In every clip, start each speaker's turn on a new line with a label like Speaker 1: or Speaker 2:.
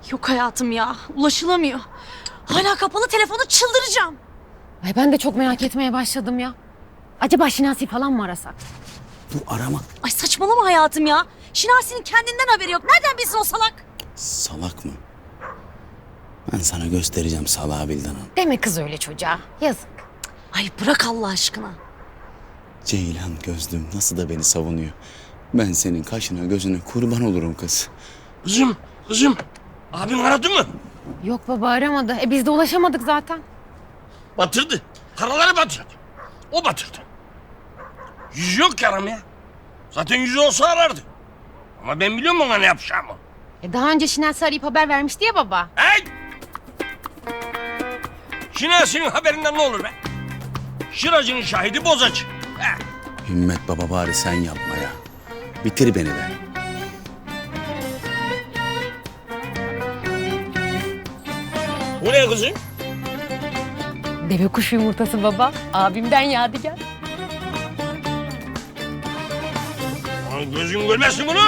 Speaker 1: Yok hayatım ya. Ulaşılamıyor. Hala kapalı telefonu, çıldıracağım.
Speaker 2: Ay ben de çok merak etmeye başladım ya. Acaba Şinasi falan mı arasak?
Speaker 3: Bu arama.
Speaker 1: Ay saçmalama hayatım ya. Şinasi'nin kendinden haberi yok. Nereden bilsin o salak?
Speaker 3: Salak mı? Ben sana göstereceğim salağı Bildan Hanım.
Speaker 2: Deme kız öyle çocuğa. Yazık.
Speaker 1: Ay bırak Allah aşkına.
Speaker 3: Ceylan gözlüm nasıl da beni savunuyor. Ben senin kaşına gözüne kurban olurum kız.
Speaker 4: Kızım. Abin aradı mı?
Speaker 2: Yok baba aramadı. Biz de ulaşamadık zaten.
Speaker 4: Batırdı. Karaları batırdı. O batırdı. Yüzü yok ki aramaya. Zaten yüzü olsa arardı. Ama ben biliyorum ona ne yapacağımı.
Speaker 2: Daha önce Şinasi arayıp haber vermişti ya baba.
Speaker 4: Hey! Şinasi'nin haberinden ne olur be? Şıracının şahidi bozacı. He.
Speaker 3: Himmet baba bari sen yapma ya. Bitir beni be.
Speaker 4: Bu ne kızım?
Speaker 2: Deve kuşu yumurtası baba. Abimden yadigar.
Speaker 4: Lan gözün görmesin bunu.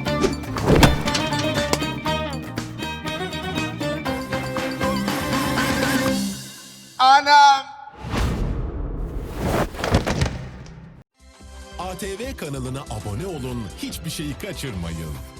Speaker 5: Anam!
Speaker 6: ATV kanalına abone olun, hiçbir şeyi kaçırmayın.